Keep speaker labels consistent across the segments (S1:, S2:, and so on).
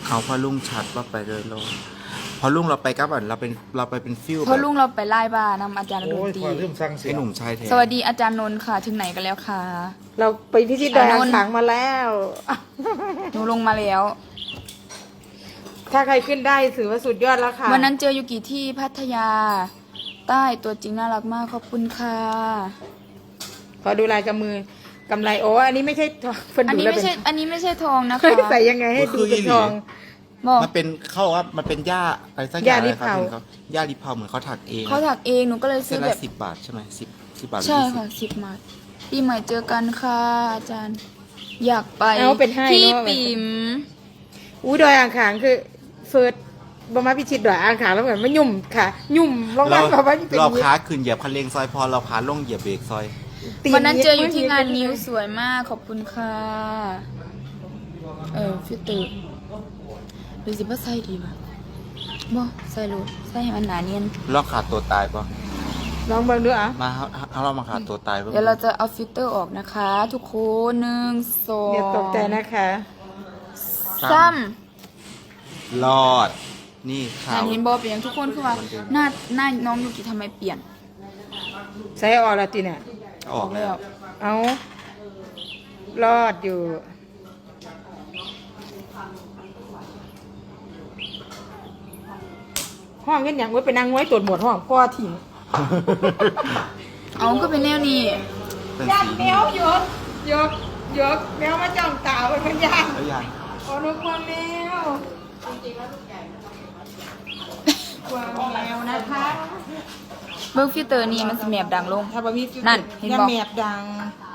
S1: เอาพอลุงชัดว่าไปเลยลงพอลุงเราไปกับอันเราไปเป็นฟิว
S2: เพราะลุงเราไปไล่บ้านำอาจารย์ด
S3: โอ้
S2: น
S3: ย
S2: ตรี
S3: พอเริ่มสร้างเสี
S1: ไอ้
S3: ยง
S1: หนุ่มชายแท้
S2: สวัสดีอาจารย์นนท์ค่ะถึงไหนกันแล้วคะ
S4: เราไปพิชิตดอยอ่างขางมาแล้ว
S2: หนูลงมาแล้ว
S4: ถ้าใครขึ้นได้ถือว่าสุดยอดแล้วค่ะ
S2: วันนั้นเจอยูกิที่พัทยา ใต้ตัวจริงน่ารักมากขอบคุณค่ะ
S4: ขอดูลายกำมือกำไรโอ้อันนี้ไม่ใช่ทองเพิ่น
S2: อัน
S4: ดู
S2: นี้
S4: แล้ว
S2: ไม่
S4: เป็น
S2: ใช่อันนี้ไม่ใช่ทองนะคะ
S4: เฮ้ยใส่ยังไงให้ดูเป็นทอง
S2: บอก
S1: มันเป็นเขาบอกว่ามันเป็นหญ้าอะไรสักอย่าง
S4: หญ้าลิเผา
S1: ครับหญ้าลิเผาเหมือนเขาถักเอง
S2: เขาถักเองหนูก็เลย
S1: เส้
S2: ซื้
S1: น
S2: อ
S1: ละ
S2: แบบ
S1: 10 บาทใช่ไหม10บาทหรือ
S2: ใช่
S1: 20
S2: ค่ะ10 บาทปีใหม่เจอกันค่ะอาจารย์ อยากไป
S4: เอาเป็นให้
S2: พี่
S4: เนอะ
S2: ปิ๋ม
S4: อู้ดอยอ่างขางคือเฟิร์สบมาพิชิตดอยอ่างขางแล้วเหมือนมันยุ่มค่ะ ยุ่มลงมาแบบว่าเป็น
S1: เราขาขึ้นเหยียบคันเร่งซอยพอเราขาลงเหยียบเบรกซอย
S2: วันนั้นเจออยู่ที่งานนิ้วสวยมากขอบคุณค่ะฟิลเตอร์ดูสิว่าใส่ดีป่ะบ่ใส่รูใส่ให้มันหนาเนียน
S1: ลองขาดตัวตายปะ
S4: ลองเบิ่งดูอ่ะ
S1: มาเอาเรามาขาดตัวตายปะ
S2: เดี๋ยวเราจะเอาฟิลเตอร์ออกนะคะ ทุกคน1 2
S4: อย่าตกใจนะคะ
S2: 3
S1: รอด นี่ขาว
S2: อันนี้บอเปลี่ยนทุกคนคือว่าหน้าน้องยูกิทำไมเปลี่ยน
S4: ใส่ออกแล้วจีเนี่ย
S1: ออกแล้ว
S4: เอารอดอยู่ห้องกันอย่างไว้ไปนั่งไว้ตรวจหมดห้องพ่อถิ่ง
S2: เอาก็เป็นแนวนี้
S1: เป็น
S4: ย่าน
S1: สี
S4: แมวยกแมวมาจ้องตาไว้เป็นย่าน
S1: แล้วยัง
S4: โอ้นึกว่าแมวกวางแมวนะคะ
S2: เบิ้งฟิลเตอร์นี่มันสแมบดังลง
S4: ถ้าบะมี
S2: นั่นเห็น
S4: อย่า
S2: บอก
S4: แมบดัง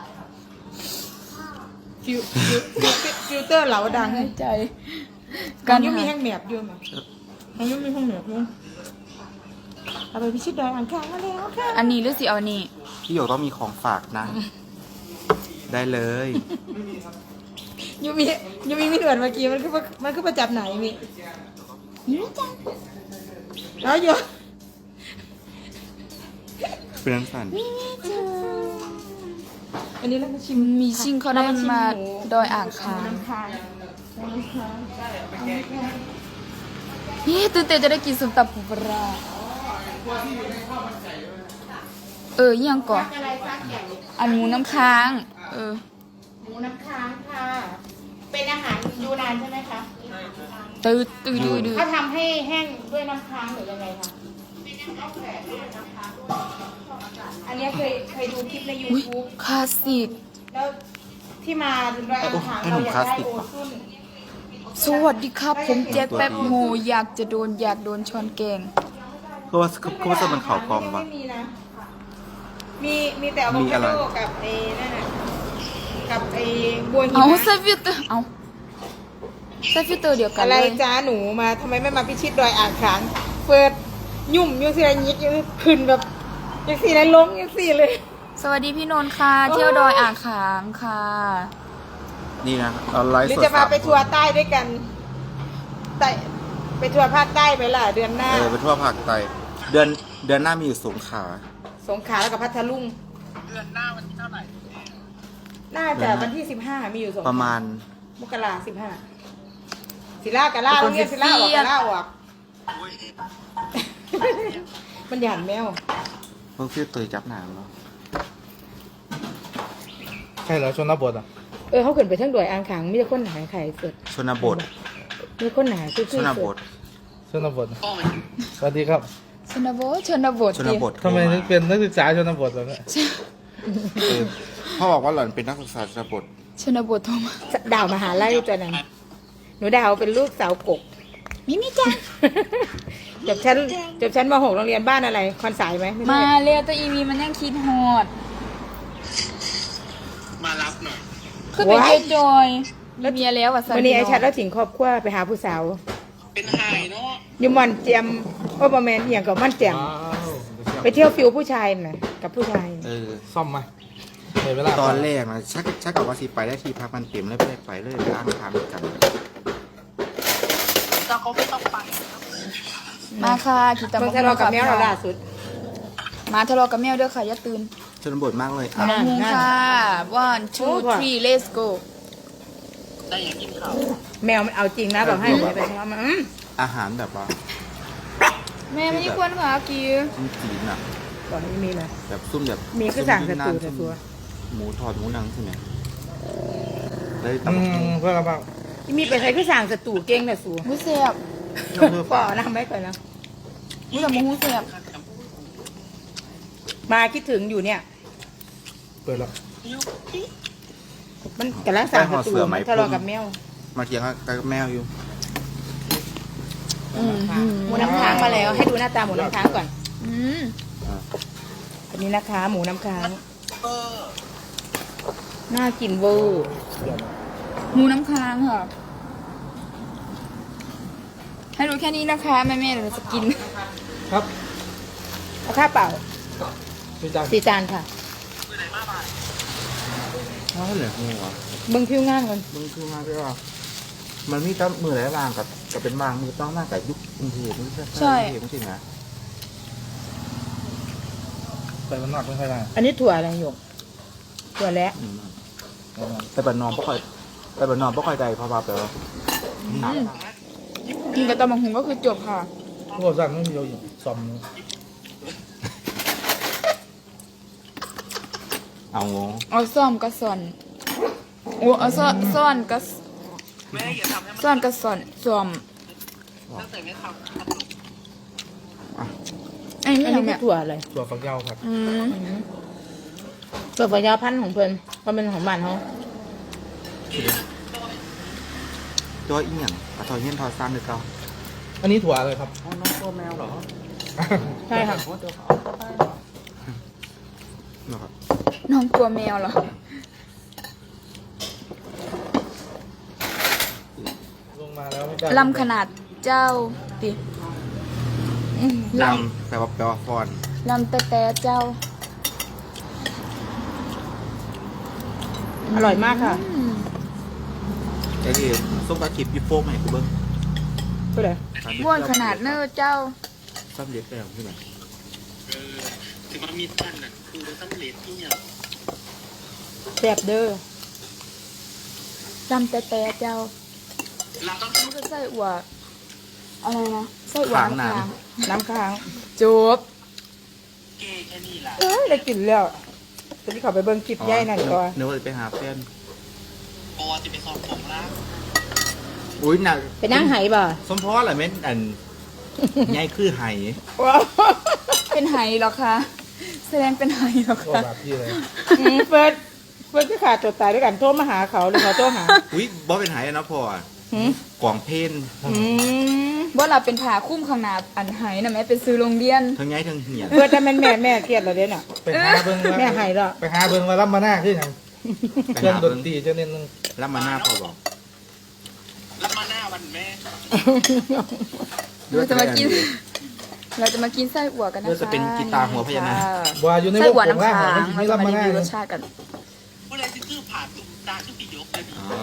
S4: ฟิลเตอร์เหลาดัง
S2: ใจ
S4: กั
S2: กัน น
S4: ยุ่มี
S2: หา
S4: แห้งแมบอยู่ไหมอายุมีแห้งแมบอยู่เอาไปพิชิตดอยอ่างขางมาแล้วค่ะ
S2: อันนี้หรือสิเอานี่
S1: พี่หยกต้องมีของฝากนะ ได้เลย
S4: ยูมีมีหนวดเมื่อกี้มันคือประจับไหนมีแล้วอยู่
S1: เป็นน้ำสั่น
S4: อันนี้เรามาชิม
S2: มีชิงเขาได้มาดอยอ่างคาง
S4: น้ำค้าง
S2: นี่ตื่นเต้นจะได้กินส้มตำปูปลายังก่อน
S4: อะไรซักอย่าง
S2: อันหมูน้ำค้าง
S4: หมูน้ำค้างค่ะ เป็นอาหารยูนานใช่ไหมคะ
S2: ตื่นดู
S4: เขาทำให้แห้งด้วยน้ำค้างหรือยังไงคะอันนี้เคยดูคลิปใน
S2: อุ้ย
S4: YouTube
S2: คลาสสิก
S4: แล้วที่มาถึงดอยอ่างขางเราอยากได้โอซุน
S2: สวัสดีครับ ผมแจ็คแป๊บโฮอยากโดนช้อนแกง
S1: คือว่าจะเป็นข่าวกองปะ
S4: ไม่มีนะ มีแต่อะโว
S1: มี
S4: คา
S1: อะไร
S4: โดกับไอ้นั่นน่ะกับไอ้บัวหิ
S2: เอา
S4: มะ
S2: ใส่ฟิลเตอร์เอาใส่ฟิลเตอร์เดียวกัน
S4: อะไร
S2: เลย
S4: จ้าหนูมาทำไมไม่มาพิชิตดอยอ่างขางเปิดยุ่มยังสิไรยิกยังขึ้นแบบยังสิไรล้มยังสิเลย
S2: สวัสดีพี่นนท์ค่ะ เที่ยวดอยอ่างขางค่ะ
S1: นี่นะเราไลฟ์
S4: หรือ
S1: สด
S4: จะมาไป
S1: 3
S4: ทัวร์ใต้ด้วยกันใต้ไปทัวร์ภาคใต้ไปล่ะเดือนหน้า
S1: ไปทั่วภาคใต้เดือนหน้ามีอยู่สงขลา
S4: สงขลาแล้วกับพัทลุงเดือนหน้าวันที่เท่าไหร่น่าจะวันที่15มีอยู่สงขลา
S1: ประมาณ
S4: มกรา15ศิลากะล่าโรงเรียนศิลาออกกะล่าออกมันหยาดแมว
S1: เพิ่งฟิวเตยจับหนามเนาะ
S3: ใช่เหรอชนบทอ่ะ
S4: เขาขึ้นไปทั้งดอยอ่างขางมีแต่คนหนาไข่สุด
S1: ชนบท
S4: มีคนหนาคือ
S1: ชนบท
S3: ชนบทสวัสดีครับ
S2: ชนบท
S1: ชนบท
S3: ทำไมถึงเป็นนักศึกษาชนบทแบบนี้
S1: เออพ่อบอกว่าหล่อนเป็นนักศึกษาชนบท
S2: ชนบทโทรมา
S4: ดาวมหาลัยตัวนั้นหนูดาวเป็นลูกสาวกก
S2: มิจ้า
S4: จบชั้นม .6 โรงเรียนบ้านอะไรคอนสายไหมไใช่
S2: มาเรียวตัวอีวีมันยังคิดฮอด
S5: มารับหน่อย
S2: คือเป็นเยจอยมีเมียแล้วอ่ะสั
S4: วันนี้ไอ้ชัดแล้วถิงครอบครัวไปหาผู้สาว
S5: เป็นไฮเนาะ
S4: ยูมอนเจียมโอ้บอแมนอหย่างกับมันแจ่มไปเที่ยวฟิวผู้ชายน่ะกับผู้ชาย
S1: เออ
S3: ซ่อมไหมเห็นเวลา
S1: ตอนแรกนะชักกับว่าสิไปได้ที่พักมันเต็มเลยไม่ได้ไปเลยล้างทางกัน
S5: แต่เขาไม่ต้องไป
S2: มาค่ะคิดตาม
S4: เพิ่งทะเลาะกับแมวเราล่าสุด
S2: มาทะเลาะกับแมวเด้อค่ะอย่าตื่น
S1: ชนบทมากเลย
S2: มา
S4: นั่น
S2: ค่ะ 1 2
S4: โอ้
S2: 3 let's go
S5: ได้อย่างกินข้าว
S4: มแมวมันเอาจริงนะบอกให้อย่าไปทำมัน
S1: อาหารแบบว่า
S2: แม่ไม่ได้ควรค่ะกี
S1: จีนอ่ะ
S4: บอกให้มีเลย
S1: แบบซุ่มแบบ
S4: มีก็สั่งแต่ตูแต่ตัว
S1: หมูทอดหมูนังใช่ไหมได้
S3: อื
S1: ตำบักหุ่ง
S3: เพื่อนเราบ้าง
S4: ที่มีไปใช้ก็สั่งแต่ตูเก่งแต่สู
S2: หูเสียบ
S1: น้ำเพื่อ
S4: ก่อ
S1: ฝา
S4: นะไม่ก่อนนะ
S2: หูกับหูเสียบ
S4: มาคิดถึงอยู่เนี่ย
S3: เปิดแล้ว
S4: มันกำลังสั่งแต่ตูมันทะเลาะกับแมว
S1: มาเถียงกับแมวอยู่
S4: หมูน้ำค้างมาแล้ว ให้ดูหน้าตาหมูน้ำค้างก่อน
S2: อืม
S4: อันนี้นะคะ หมูน้ำค้างน่ากินเวอร์
S2: หมูน้ำค้างค่ะ ให้ดูแค่นี้นะคะแม่ๆเดี๋ยวเราจะกิน
S3: ครับ
S4: เอาข้าวเปล่า
S3: พี่จัง
S4: 4 จานค่ะ
S1: เพราะเหลืองูอ่ะ
S4: เบิ้งผิวงานก่อน
S1: มึงคือมาด้วยว่ามันมีตั้งมือหลายบางกับเป็นบางมือต้องมากกับยุคกรุงเทพไม่ใช่
S2: ใช่
S1: กรุงเทพจริงๆนะ
S3: ไปมันนอกไม่ค่อยได้
S4: อันนี้ถั่วอะไรหยกถั่วแล้ว
S1: แต่บันนอมบ่ค่อยแต่บันนอมบ่ค่อยใจเพราะว่าแบบว่า
S2: กินกับตำบักหุ่งก็คือจบค่ะ
S3: พวกสั่งไม่มีเราอยู่ซ่อม
S1: เอางง
S2: เอาซ่อมกับซ่อนโอ้เอาซ่อนกับ
S5: แม่อย่าทำให้มัน
S2: ซ่อนกับซ่อนซ่อม
S5: ตั้งแต่ไม่ทำ
S2: อันนี้
S4: อัน
S2: ไม่
S4: นี้
S2: ทำ
S4: คื
S2: แบ
S4: อบ ถั่วอะไร
S3: ตัวฝักยาวครับ
S2: อืม
S4: ถั่วฝักยาวพันธุ์ของเพิ่นมันเป็นของบ้านเขา
S1: ตัวอีหยังกระทอยเงี้ยนทอดซ้ำเลยเก่า
S3: อันนี้ถั่วอะไรครับ
S1: อ๋อน้องตัวแมวเหรอ
S4: ใช่ค่ะ
S1: นะครับ
S2: น้องตัวแมวเหรอ
S3: ลงมาแล้วไม่กล้า
S2: ลำขนาดเจ้าติล
S1: ลำแปลว่าฟอน
S2: ำลำแต่เจ้า
S4: อร่อยมากค่ะ
S2: อืม
S1: ไอ้ที่ส้มตาขีบยิบโฟมให้กูเบิ้ง
S4: ก็เลย
S2: บ้วนขนาดเนื้อเจ้า
S1: ซ้ำเล็กแล้วใช่ไหม
S5: ถึงมันมีตั้นน่ะคือมันต้องเลดที่เนี่ย
S4: แซ่บเด้อ
S2: ลำแต่เจ้า
S5: เราต้อง
S2: นี่คือไส้อั่วอะไรนะไส้อั่วน้ำค้าง
S4: น้ำค้าง
S2: จบ
S5: เกย์แค่นี้ล่ะ
S4: เอ้ยได้กินแล้วตอนนี้เขาไปเบิ่งคลิปย่ายนั่นก่อน
S1: เนื้อไปหาแฟน
S5: ปอจะไปสอบผมละ
S1: อุ้ยหนัก
S4: ไปนั่งไหบ่
S1: สมพอแหละเม็ดอันใหญ่คือไห
S4: ว้าว
S2: เป็นไหเหรอคะแสดงเป็นไหเหรอ
S3: ก็
S2: คะ
S3: แบบพี่เลย
S4: เฟิร์สก็ขาดตัวตายด้วยกันโทรมาหาเขาหรือเขาโทรหา
S1: อุ้ยบอเป็นไหอะนะพ่ออะ
S4: หืม
S1: กล่องเพน
S2: ว่าเราเป็นผ่าคุ้มข้างหน้าอันไหนะแม่เป็นซื้อโรงเรียน
S1: ทั้งใหญ่ทั้งเหี่ยน
S4: เฟิร์สจะเป็นแม่เครียดเหราเด้น่ะ
S3: ไปหาเบิ้ง
S4: แม่ให้แล้ว
S3: ไปหาเบิ้งมารับมาหน้าขึ้นยัง
S1: ไป
S3: เครื่อง
S1: หา
S3: ด
S1: เบิ้
S3: น
S1: ง
S3: ตรีจะเน้น
S1: รับมาหน้าพ่อบอก
S5: แล้วมาหน้าวันแม่
S2: เราจะมากิน เราจะมากินไส้อั่วกันนะคะ
S1: เลือจะเป็นกีตาร์หัวพญานาค
S3: ว่าอยู่ใน
S2: ไส้
S3: วง
S2: อั่ว
S3: ของ
S2: น้ำ
S3: ร่าง
S2: ค้าง
S3: มัน
S2: เรา
S3: ไม่
S2: จะ
S3: รับ
S2: มา
S3: มา
S2: รี
S3: หน้า
S2: วิวร
S3: เลย
S2: สชาติกัน
S5: ผู้ใดที่คือผ่านตุ้มตาขึ้นไปยกเลยดิ
S1: อ๋อ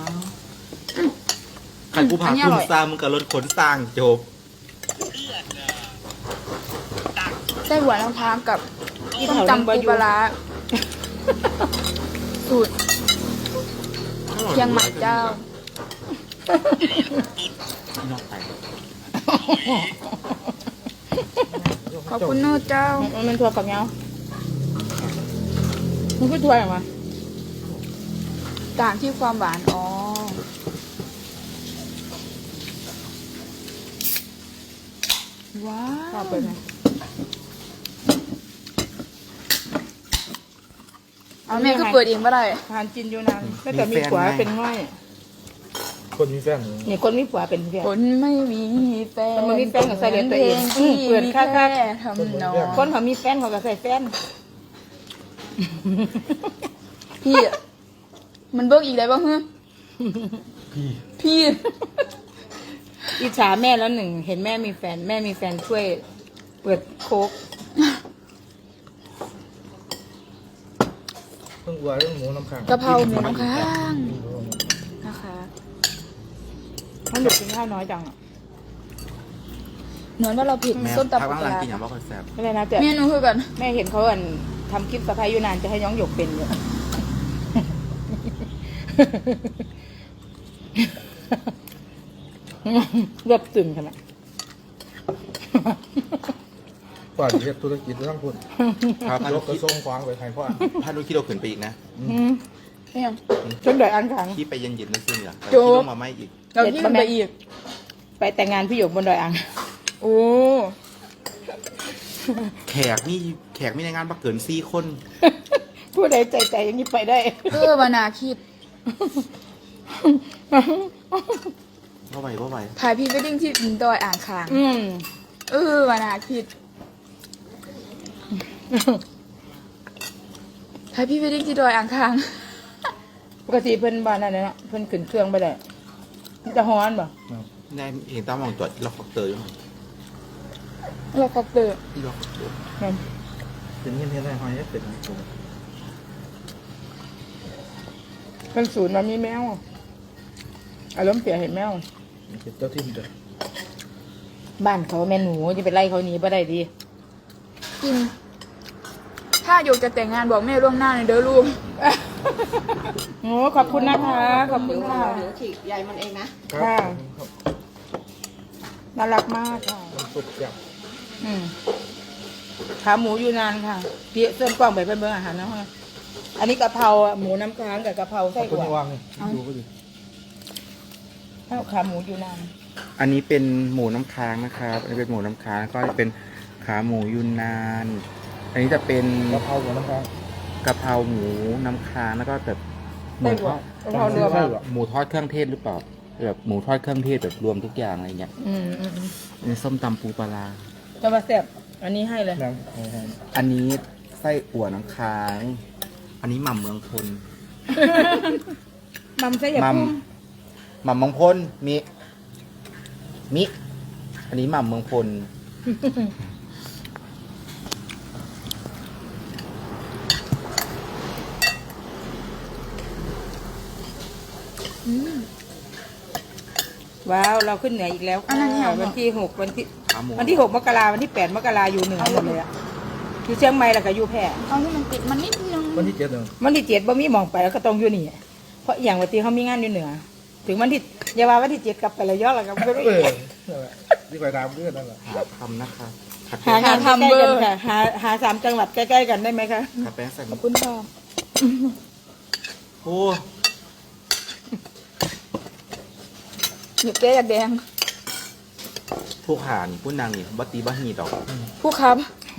S1: ใครกูพาคุ้มซามึงกับรถขนสร้างจบ
S5: เพื่อนน่ะตัก
S2: ไส้อั่วน้ำค้างกับต้มตำปูปลาร้าสูตรเชียงใหม่เจ้า
S1: นอกไป
S2: ขอบคุณโน่เจ้า
S4: มันถั่วกับเงามันคือถั่วอะไรวะ
S2: ต่างที่ความหวาน อ๋อ ว้า
S4: ชอบ
S2: ว
S4: ไปไหม
S2: เอาแม่ก็เปิดเองก็ได้
S4: ทานจินอยู่นานก็แต่มีผัวเป็นง่อย
S3: คนมีแฟนหนู
S4: เนี่ยคนมีผัวเป็นแฟน
S2: คนไม่มีแฟน
S4: คนไม่มีแฟนก็ใส่เหรียญตัวเอง
S2: ที่
S4: เปิด
S2: มี
S4: ค่า
S2: แค่ทำนอง
S4: คนเขามีแฟนเขาก็ใส่แฟน
S2: พี่ มันเบิกอีกแล้วบ้างฮะ
S3: พี่
S2: พี่
S4: อิจฉาแม่แล้วหนึ่งเห็นแม่มีแฟน แม่มีแฟนช่วย เปิดโค้ก
S3: เพิ่งวัวเรื่องหมูน้ำข้าง
S2: กะเพราหมูน้ำค้างนะคะ
S4: มันเด็กกินข้าวน้อยจังอะ
S2: นอนว่าเราผิด
S1: แม่
S2: ส้ม
S1: พัก
S2: ตำปู
S1: บ้าง
S2: ป
S1: หลั
S2: ลาง ร้า
S1: กินอย่างว่าคอนเซ็ปต์
S4: ไม่เลยนะแต่
S2: เมนูคือกัน
S4: แม่เห็นเขาทำคลิปสะพายยูนานจะให้ย้องหยกเป็นอยู่รวบตึงขนาด
S3: ก่อนเฮ็ดธุรกิจต้องพูด
S1: ครับ
S3: ยกกระทรวงควางไปให้พ่อ
S1: ถ้ารู้คิดเราขึ้นไปอีกนะ
S2: ไม่ยัง
S4: จนดอยอ่างขาง
S1: ที่ไปเย็นๆนั่นสิเนี่ยแต่
S4: โจ๊ก
S1: ที่ลงมาไม่อีก
S2: เราที่มันไปอีก
S4: ไปแต่งงานพี่หยกบนดอยอ่าง
S2: โอ้
S1: แขกมีในงานมาเกิน4 คน
S4: ผู้ใดใจอย่างนี้ไปได้
S2: วานาคิด
S1: ว่าไหว
S2: ถ่ายพรีเวดดิ้งที่ดอยอ่างขาง วานาคิดถ่ายพรีเวดดิ้งที่ดอยอ่างขาง
S4: ปกติเพิ่นบ้านนั่นน่ะเนาะเพิ่นขึ้นเครื่องไปได้มันจะฮ้อนบ่
S1: ในเห็นตามองตัวล็อกคอปเตอร์อยู่
S2: เราก็เตอร์
S1: ที่ล็อกคอปเตอร์
S4: นั่น
S3: เป็นเงี้ยได้หอยเป็น
S4: เพิ่นศูนย์มามีแมวอารมณ์เสียเห็นแมว
S3: เป็นเจ้าที่มันจะ
S4: บ้านเขาแม่หนูจะไปไล่เขาหนีบ่ได้ดี
S2: กิน ถ้าโยกจะแต่งงานบอกแม่ล่วงหน้าในอยเด้อลูก
S4: โอ้ขอบคุณนะคะขอบคุณค่ะ
S6: เดี๋ยวฉีกใยมันเองนะ
S3: ครับ
S4: น่ารักมากค่ะ
S3: มันสุดจับ
S4: ขาหมูอยู่นานค่ะพี่เส้นกว้างไปเพิ่นเบิ่งอาหารนะฮะอันนี้กะเพราหมูน้ำค้างกับกะเพราไส้
S3: คุณ
S4: อั่ว
S3: วางนี่ดูก็ดี
S4: ข้าวขาหมูอยู่นาน
S1: อันนี้เป็นหมูน้ำค้างนะครับอันนี้เป็นหมูน้ำค้างแล้วก็จะเป็นขาหมูยูนนาน อันนี้จะเป็น
S3: กะเพราหัวน้ำค้าง
S1: กะเพราหมูน้ำค้างแล้วก็แบบหมู
S4: ไส้
S1: ท
S4: อั่ว
S1: อด
S4: กะเพรารวม
S3: ไส้อั่ว
S1: หมูทอดเครื่องเทศหรือเปล่าแบบหมูทอดเครื่องเทศแบบรวมทุกอย่างอะไรเงี้ย
S4: อืม
S1: อันนี้ส้มตำปูปลาร้า
S4: จะมาแซ่บอันนี้ให้เลย
S3: นัง
S1: อันนี้ไส้อั่วน้ำค้าง อันนี้หม่ำเมืองพล
S4: มัมไส้ยา
S1: หม่
S4: พุ่ม
S1: ำหม่ำเมืองพลมิอันนี้หม่ำเมืองพล
S4: ว้าวเราขึ้นเหนืออีกแล้ว
S2: อันนั้นเนี่ย
S4: วันที่6
S1: ขาหมู
S4: วันที่6 มกราวันที่8 มกราอยู่เหนือหมดเลยอะอยู่เชียงใหม่แล้วก็อยู่แพร่
S2: เอาที่มันติดมันนิดนึง
S3: วันที่7เดือน
S4: วันที่7บ่มีหมองไปแล้วก็ต้องอยู่นี่เพราะอย่างวันที่เขามีงานอยู่เหนือ ถึงวันที่อย่าว่าวันที่7กลับไประยองแล้วก็ไม่รู้
S3: เออที่ไปตามเรื่องนั่นแหละ
S1: หาทำนะคะขัด
S4: หา
S1: แป้ง
S4: งานใกล้ๆกันค่ะหา3 จังหวัดใกล้ๆกันได้ไหมคะ
S1: ขัดแป้งใส่ห
S2: ข
S1: มู
S2: อบคุณค่ะ
S1: โอ้
S2: หยิบเจ๊อยากแดง
S1: ผู้ขานผู้นางนี่บัตีบัฮีดอก
S2: ผู้ครับ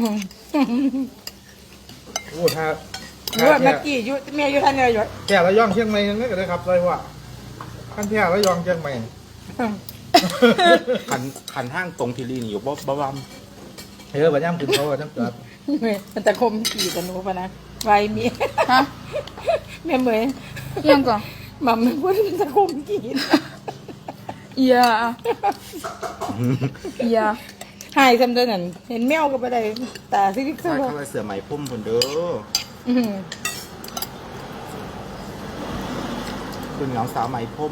S3: โอ้ถ้า
S4: หรือว่าเมื่อกี้อยู่แม่อยู่ท่านเลยอยู่
S3: แก่ระยองเชียงใหม่ยังไงก็ได้ครับเลยว่าขั้นแก่ระยองเชียงใหม่
S1: ขันห้างตรงทีรีนี่อยู่บ่บ
S3: เฮ้ยบัดย่ำถึงเขาจังจัด
S4: มันตะคมขี่กันหนูปะนะไวเมีย
S2: ฮะ
S4: แม่เหมย
S2: เอียงก่อน
S4: หม่ำมันพูดมันตะคมขี่
S2: เอียเอีย
S4: หายจำได้นั่นเห็นแมวก็ไปได้ตาซิลิ
S1: ำ
S4: เซอ
S1: ใช่
S4: ร์
S1: ข้าวเสือไหมพุ่มคนเด้อ
S4: อืม
S1: คุณเหงาสาวไหมพุ่ม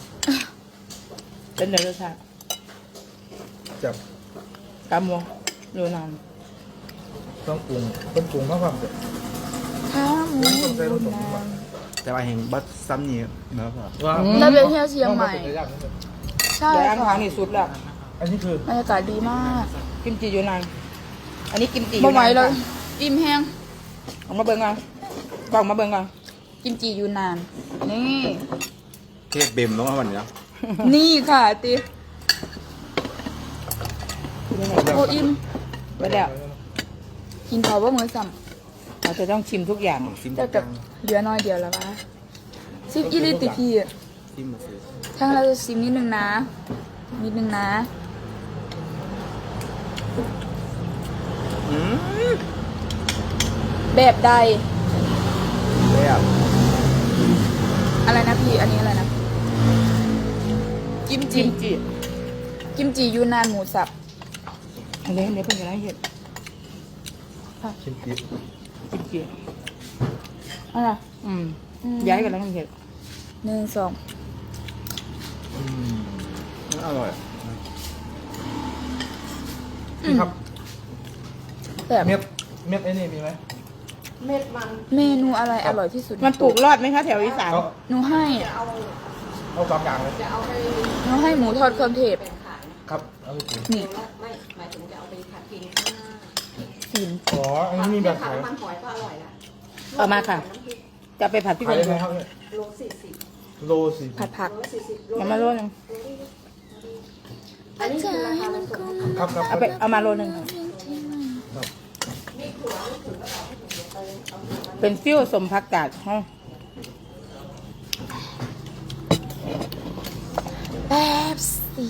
S4: เป็นเดือดชา
S3: จับ
S4: กำมงดูนาน
S3: ต้องปรุงต้องปรุงมากความเด็ด
S2: ข้าวหมู
S3: ต้องใช้รสสมบัติ
S1: แต่ว่าแห่งบัดซ้ำนี่เนาะครับ
S3: ว่า
S2: เราไปเที่ยวเชียงใหม่ ใช่
S4: แต่อัน
S2: ค่ะ
S4: ขางนี่สุดแล้ว
S3: อันนี้คือบ
S2: รรยากาศดีมาก
S4: กิมจิอยู่นานอันนี้กิมจิอ
S2: บ่
S4: ยู่
S2: ไหวน
S4: าน
S2: เลย
S4: ค่ะ
S2: อิ่มแห้ง
S4: ออกมาเบิ่งกันกล่องมาเบิ่งกัน
S2: กิมจิอยู่นาน นี่
S1: เทศเบมต้องมาวันนี้นะ
S2: นี่ค่ะติโออิ่ม
S4: ไปแล้ว
S2: กินเขาว่ามือสั่ม
S4: เราจะต้องชิมทุกอย่าง
S1: ซิม
S2: แต่กับเหลือน้อยเดียวแล้ววะซิมอีลิติพี่
S1: ซิมมาซื้อ
S2: ทั้งเราจะซิมนิดนึงนะ นิดนึงนะ
S1: อืม
S2: แบบใด
S1: แบบ
S2: อะไรนะพี่ อันนี้อะไรนะ กิม
S4: กิ
S2: จิ
S4: มจิ
S2: กิมจิยูนานหมูสับ
S4: อันนี้เพิ่งจะได้เห็ด
S3: ชิมจิ๊บ
S4: กิมจิ
S2: อะไร
S4: อืมย้ายกันแล้วเห็ด
S2: 1 2
S1: อร่อย
S3: พี่ครับ
S2: แบบ
S3: เม็ดไอ้นี่มีไหม
S6: เม็ดมัน
S2: เมนูอะไรอร่อยที่สุด
S4: มันปลูกรอดไหมคะแถวอีสาน
S3: เขา
S2: หนูให้
S6: จะเอา
S3: เอาสองอย่างเลย
S6: จะเอาไป
S2: น้องให้หมูทอดเครื่องเทศ
S6: แบ่งขาย
S3: ครับเอาไปกิน
S2: นี่
S6: ไม่หมายถึงจะเอาไปผัดกินข้างหน้า
S2: สิน
S3: อ๋ออันนี้มีแบบ
S6: ผัด
S3: ขาย
S6: น้ำมันหอยก็อร่อยละ
S2: เอามาค่ะ จะไปผัดพี่
S3: ขา
S2: เป็
S3: ย
S2: น
S3: ยังไงครับเนี่ย
S6: โล40
S3: โลสิ
S2: ผัดผัก
S6: โล40โล
S2: เอามาโลนึง
S6: อันนี้คือราคามันสดนะคะ
S3: ครับครับ
S2: เอามาโลนึงค่ะเป็นฟิวสมผักกาดฮะแป๊บสิ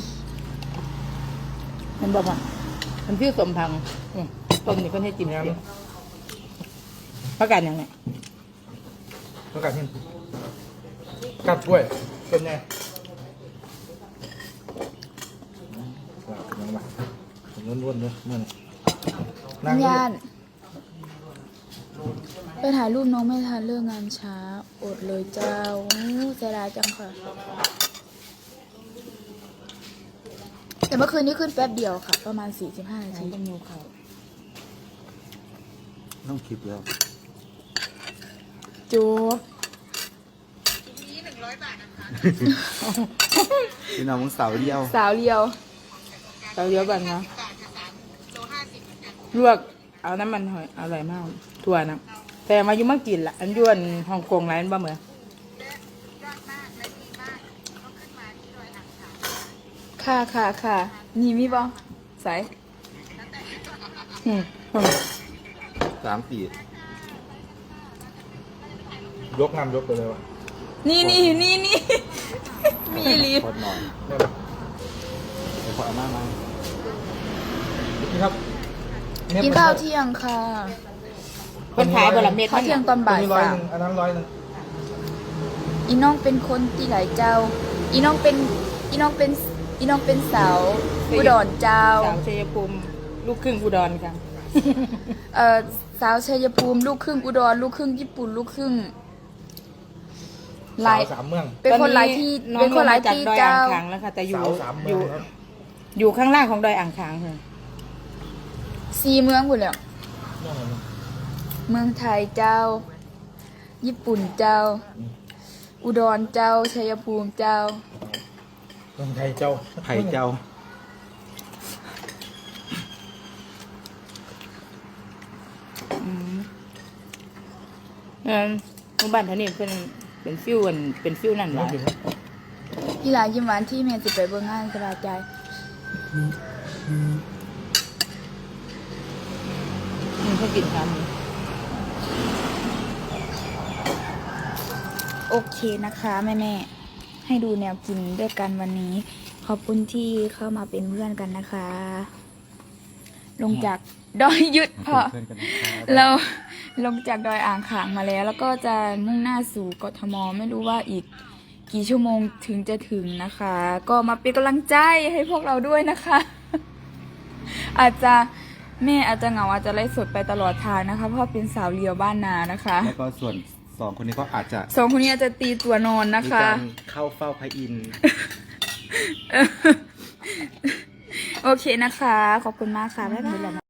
S2: มันบอกว่ามันฟิวสมพังต้มนี่เพิ่นให้จิ้ม
S3: งาน
S2: เดียวผักกาดยังไง
S3: ประกาศเห็นกัดกล้วยเป็นไงเป็นยังไงผมล้วนๆเลยมันนั่ง
S2: ย่านไปถ่ายรูปน้องไม่ทันเรื่องงานช้าอดเลยเจ้าเสียดายจังค่ะ แต่เมื่อคืนนี้ขึ้นแป๊บเดียวค่ะ ประมาณ 45 นาทีต้องมีเขา
S1: ต้องคลิปแล้ว
S2: จูบ
S1: พี่น้องมึงเสาเดียว
S2: สาวเลียวก่อนนะลวกเอาน้ำมันหอยอร่อยมากถั่วนะแต่มายุ่มากินละอันยวนฮ่องกงร้านบ่เหมือนค่ะนี่มีบ่ใส่อืม
S1: 3 ปี
S3: ยกน้ำยกไปเลยวะ
S2: นี่ มีลี
S1: พอดหน่อย
S3: ได้ไหม
S1: เดี๋ยวพอเอามามา
S3: นี่ครับ
S2: กินข้าวเที่ยงค่ะ
S1: เป็นขายบะหมี่เม็ด
S2: ข้าวเที่ยงตอนบ่าย
S3: อันนี้ร้อย
S2: สา
S3: ห
S2: ม
S3: นึ่งอันนั้น100
S2: อีน้องเป็นคนที่ไหลเจ้า อีน้องเป็นสาวอุดรเจ้า
S7: สาวชัยภูมิลูกครึ่งอุดรค่ะ
S2: สาวชัยภูมิลูกครึ่งอุดรลูกครึ่งญี่ปุ่นลูกครึ่งห
S3: สา
S2: ลายว
S3: 3 เมือง
S2: เป็นคนหลายที่
S7: น้อ
S2: เป็
S7: ง
S2: น
S7: ล
S2: ค
S7: ง
S2: นหลาย
S7: มาจาก
S2: ที่
S7: ดอย
S2: เจ้า
S7: อ่างขางแล้วค่ะ แต่อยู่
S3: สาว3 เมื
S7: อ
S3: อง
S7: ยู่
S3: ครับ
S7: อยู่ข้างล่างของดอยอ่างขางค่ะ
S2: 4 เมืองหมดแล้ว
S3: เมืองอะไรนะ
S2: เมืองไทยเจ้า ญี่ปุ่นเจ้า อุดรเจ้าชัยภูมิเจ้า
S3: เมืองไทยเจ้า
S1: ไผ่เจ้า
S7: หมู่บ้านท่านี้เป็นฟิวนั่นแหละ
S2: พี่หลานยิ้มหวานที่แม่สิไปเบิ่งงานสบายใจ
S7: เขากินครับ
S2: โอเคนะคะแม่ๆให้ดูแนวกินด้วยกันวันนี้ ขอบคุณที่เข้ามาเป็นเพื่อนกันนะคะ ลงจากดอยยุดพอ
S1: เพื่อนกันนะครับ
S2: เราลงจากดอยอ่างขางมาแล้ว แล้วก็จะมุ่งหน้าสู่กทมไม่รู้ว่าอีกกี่ชั่วโมงถึงจะถึงนะคะ ก็มาเป็นกำลังใจให้พวกเราด้วยนะคะ อาจจะแม่อาจจะเหงาอาจจะไล่สดไปตลอดทางนะคะ เพราะเป็นสาวเลียวบ้านนานะคะ
S1: แล้วก็ส่วน2 คนนี้ก็อาจจะ
S2: สองคนนี้อาจจะตีตัวนอนนะ
S1: มี
S2: คะ
S1: การเข้าเฝ้าพระอินทร์
S2: โอเคนะคะ ขอบคุณมากค่ะบ๊ายบาย